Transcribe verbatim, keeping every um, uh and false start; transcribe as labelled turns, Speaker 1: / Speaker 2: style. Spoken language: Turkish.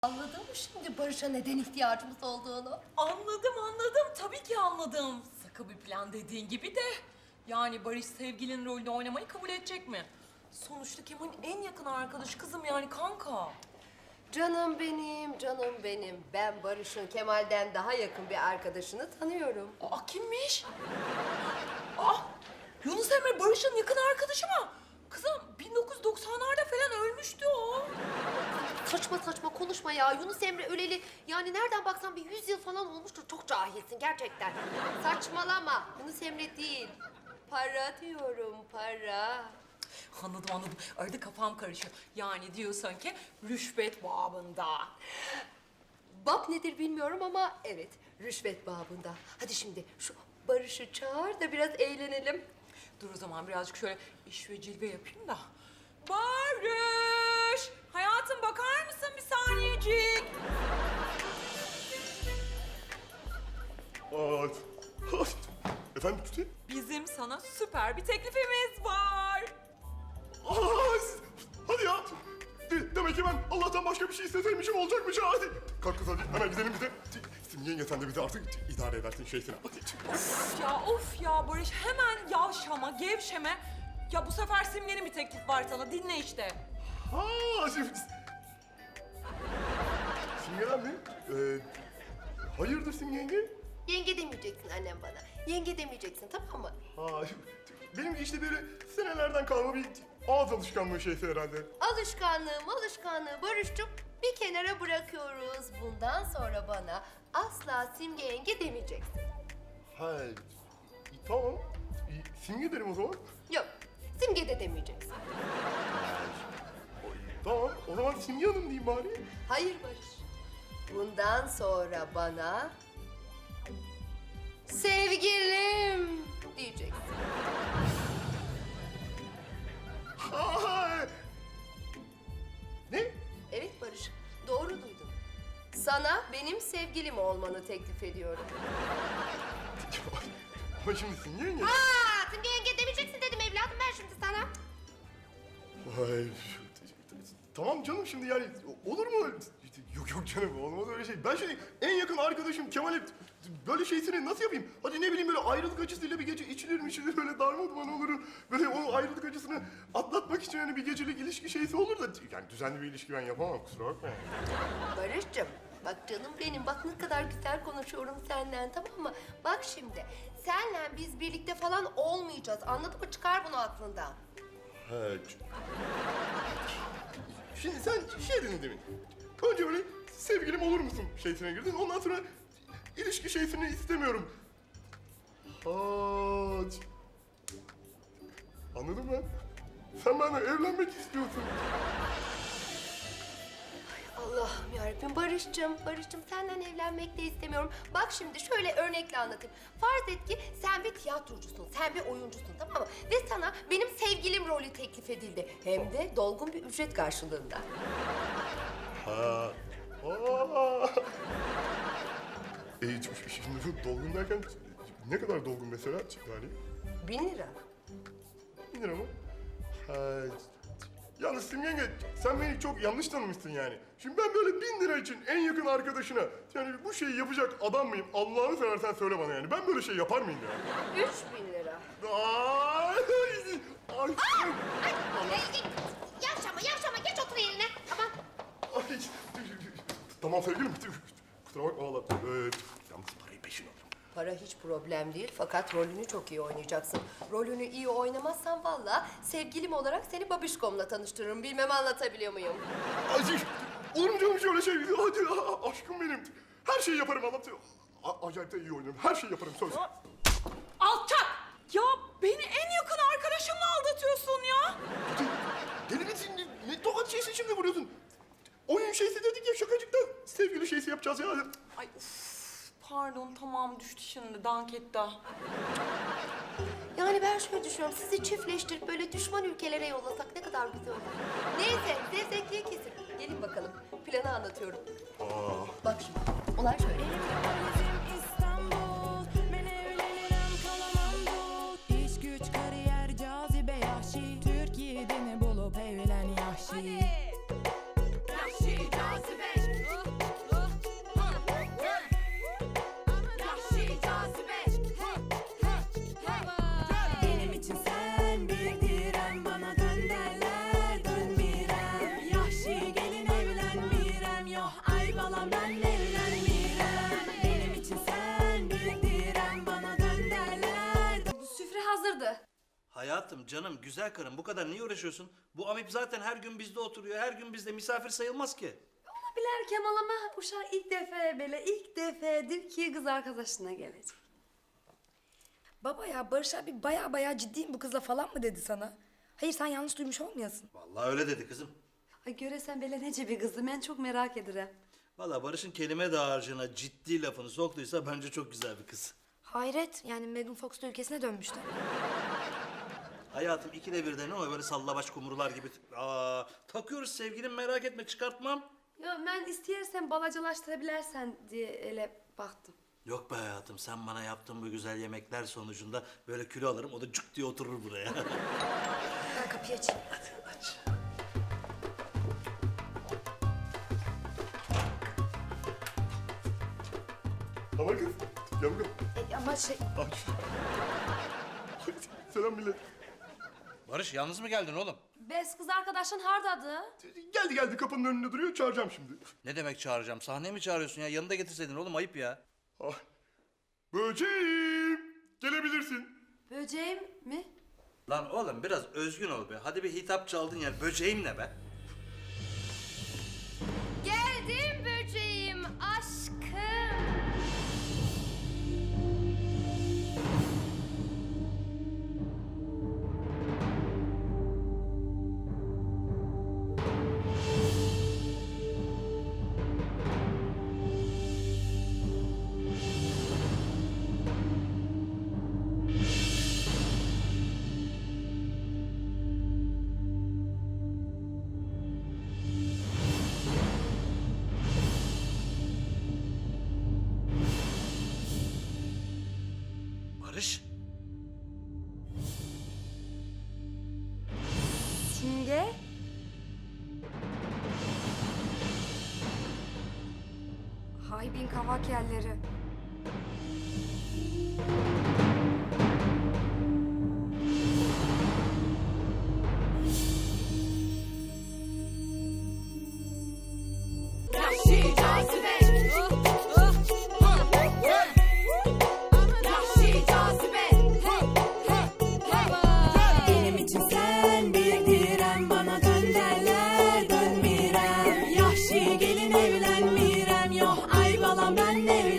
Speaker 1: Anladın mı şimdi Barış'a neden ihtiyacımız olduğunu?
Speaker 2: Anladım anladım. Tabii ki anladım. Sıkı bir plan dediğin gibi de. Yani Barış sevgilinin rolünü oynamayı kabul edecek mi? Sonuçta Kemal'in en yakın arkadaşı kızım yani kanka.
Speaker 1: Canım benim, canım benim. Ben Barış'ın Kemal'den daha yakın bir arkadaşını tanıyorum.
Speaker 2: Aa kimmiş? Aa Yunus Emre Barış'ın yakın arkadaşı mı? Kızım bin dokuz yüz doksanlarda falan ölmüştü o.
Speaker 1: Saçma saçma konuşma ya. Yunus Emre öleli yani nereden baksan bir yüz yıl falan olmuştur. Çok cahilsin gerçekten. Saçmalama. Yunus Emre değil. Para diyorum, para.
Speaker 2: Anladım anladım. Arada kafam karışıyor. Yani diyorsun ki rüşvet babında.
Speaker 1: Bab nedir bilmiyorum ama evet, rüşvet babında. Hadi şimdi şu Barış'ı çağır da biraz eğlenelim.
Speaker 2: Dur o zaman birazcık şöyle iş ve cilve yapayım da. Barış! Hayatım bakar mısın bir saniyecik?
Speaker 3: Aa, efendim Tuti?
Speaker 2: Bizim sana süper bir teklifimiz var.
Speaker 3: Aa, hadi ya. De- demek ki ben Allah'tan başka bir şey isteseymişim olacakmış ha. Hadi. Kalk kız hadi hemen gidelim bir de. Şimdi yenge sen de bizi artık idare edersin şeysine. Hadi.
Speaker 2: Of ya of ya Barış hemen yavşama, gevşeme. Ya bu sefer Simge'nin bir teklif var sana dinle işte.
Speaker 3: Ha, şimdi... Simge'den mi? Ee, hayırdır Simge yenge?
Speaker 1: Yenge demeyeceksin annem bana. Yenge demeyeceksin, tamam mı?
Speaker 3: Ha, benim işte böyle senelerden kalma bir ağız alışkanlığı şeysi herhalde.
Speaker 1: Alışkanlığım, alışkanlığı Barış'cığım bir kenara bırakıyoruz. Bundan sonra bana asla Simge yenge demeyeceksin.
Speaker 3: Ha, tamam. Simge derim o zaman.
Speaker 1: Yok, Simge de demeyeceksin.
Speaker 3: Tamam, o zaman Simge Hanım diyeyim bari.
Speaker 1: Hayır Barış. Bundan sonra bana sevgilim diyeceksin.
Speaker 3: Ay! Ne?
Speaker 1: Evet Barış, doğru duydun. Sana benim sevgilim olmanı teklif ediyorum.
Speaker 3: Ama şimdi Simge yenge...
Speaker 1: Aa, Simge yenge demeyeceksin dedim evladım ben şimdi sana.
Speaker 3: Ay, tamam canım şimdi yani olur mu? Yok yok canım olmaz öyle şey. Ben şimdi en yakın arkadaşım Kemal'e böyle şeysini nasıl yapayım? Hadi ne bileyim böyle ayrılık acısıyla bir gece içilir mi içilir böyle darmaduman olur. Böyle o ayrılık acısını atlatmak için hani bir gecelik ilişki şeysi olur da yani düzenli bir ilişki ben yapamam kusura bakma.
Speaker 1: Barış'cığım bak canım benim bak ne kadar güzel konuşuyorum senden tamam mı? Bak şimdi senle biz birlikte falan olmayacağız anladın mı? Çıkar bunu aklından.
Speaker 3: He. Şimdi sen şey dedin demin. Önce böyle sevgilim olur musun şeysine girdin. Ondan sonra ilişki şeysini istemiyorum. Ha. Anladım ben. Sen benimle evlenmek istiyorsun.
Speaker 1: Allah'ım yarabbim Barış'cığım, Barış'cığım senden evlenmek de istemiyorum. Bak şimdi şöyle örnekle anlatayım. Farz et ki sen bir tiyatrocusun, sen bir oyuncusun tamam mı? Ve sana benim sevgilim rolü teklif edildi. Hem de dolgun bir ücret karşılığında.
Speaker 3: Ha. Aa. E, şimdi bu dolgun derken ne kadar dolgun mesela yani?
Speaker 1: Bin lira.
Speaker 3: Bin lira mı? Ha. Yalnız Simge yenge, sen beni çok yanlış tanımışsın yani. Şimdi ben böyle bin lira için en yakın arkadaşına yani bu şeyi yapacak adam mıyım? Allah'ını seversen söyle bana yani. Ben böyle şey yapar mıyım ya?
Speaker 1: Üç bin lira.
Speaker 3: Ay, ay,
Speaker 1: Ay, yavşama, yavşama. Geç otur yerine. Tamam.
Speaker 3: ay. Tamam sevgilim. Kusura bakma valla. Ee, yalnız parayı peşin alırım.
Speaker 1: Para hiç problem değil fakat rolünü çok iyi oynayacaksın. Rolünü iyi oynamazsan vallahi sevgilim olarak seni babişkomla tanıştırırım. Bilmem anlatabiliyor muyum?
Speaker 3: Ay, olur mu canım şöyle şey? Hadi a- aşkım benim. Her şeyi yaparım Allah. A- acayip de iyi oynarım. Her şeyi yaparım söz.
Speaker 2: Alçak! Ya beni en yakın arkadaşımla aldatıyorsun ya.
Speaker 3: Deli misin? Ne, ne tokat şeysi şimdi vuruyorsun? Oyun şeysi dedik ya şakacıkta. Sevgili şeysi yapacağız ya.
Speaker 2: Ay uf, pardon tamam düştü şimdi dank etti.
Speaker 1: Yani ben şöyle düşünüyorum, sizi çiftleştirip böyle düşman ülkelere yollasak ne kadar güzel olur. Neyse, zevzekliğe kesin. Gelin bakalım, planı anlatıyorum.
Speaker 3: Aa.
Speaker 1: Bak şimdi, olay şöyle.
Speaker 4: İstanbul, ben evlenirim kalamam bu. İş güç kariyer cazibe yahşi. Türkiye'de mi bulup evlen yahşi. Yahşi cazibe. balam ben evlenmirem. Benim için sen büyük direm, bana dön derler.
Speaker 1: Süfre hazırdı.
Speaker 5: Hayatım, canım, güzel karım bu kadar niye uğraşıyorsun? Bu Amip zaten her gün bizde oturuyor, her gün bizde misafir sayılmaz ki.
Speaker 6: Biler Kemal ama uşaq ilk defa böyle ilk defadır ki kız arkadaşına gelecek.
Speaker 7: Baba ya Barış abi baya baya ciddiyim bu kızla falan mı dedi sana? Hayır sen yanlış duymuş olmayasın.
Speaker 5: Vallahi öyle dedi kızım.
Speaker 6: Ay göresen böyle nece bir kızı ben çok merak ederim.
Speaker 5: Vallahi Barış'ın kelime dağarcığına ciddi lafını soktuysa bence çok güzel bir kız.
Speaker 7: Hayret yani Megan Fox da ülkesine dönmüştü.
Speaker 5: Hayatım ikide birde ne o böyle sallabaş kumrular gibi. Aa, takıyoruz sevgilim merak etme çıkartmam.
Speaker 6: Ya ben isteyersen balacılaştırabilirsen diye ele baktım.
Speaker 5: Yok be hayatım sen bana yaptığın bu güzel yemekler sonucunda böyle kilo alırım o da cuk diye oturur buraya.
Speaker 7: Ben kapıyı açayım.
Speaker 5: Hadi aç.
Speaker 3: Tamam kız. Gel bakalım.
Speaker 7: E, ama şey
Speaker 3: Aç. Selam millet.
Speaker 5: Barış yalnız mı geldin oğlum?
Speaker 6: Bes kız arkadaşın hardadı.
Speaker 3: Geldi geldi kapının önünde duruyor çağıracağım şimdi.
Speaker 5: Ne demek çağıracağım? Sahneye mi çağırıyorsun ya? Yanında getirseydin oğlum ayıp ya.
Speaker 3: Ah. Böceğim. Gelebilirsin.
Speaker 6: Böceğim mi?
Speaker 5: Lan oğlum biraz özgün ol be. Hadi bir hitap çaldın ya. Böceğim ne be?
Speaker 1: Geldim böceğim aşkım.
Speaker 5: Barış.
Speaker 7: Simge. Haybin kavak yerleri.
Speaker 4: Yahşi cazibe. Yahşi cazibe. Benim için sen bir direm, bana dön derler dönmirem. Yahşi gelin evlenmirem, yok ay balam ben evlenmirem.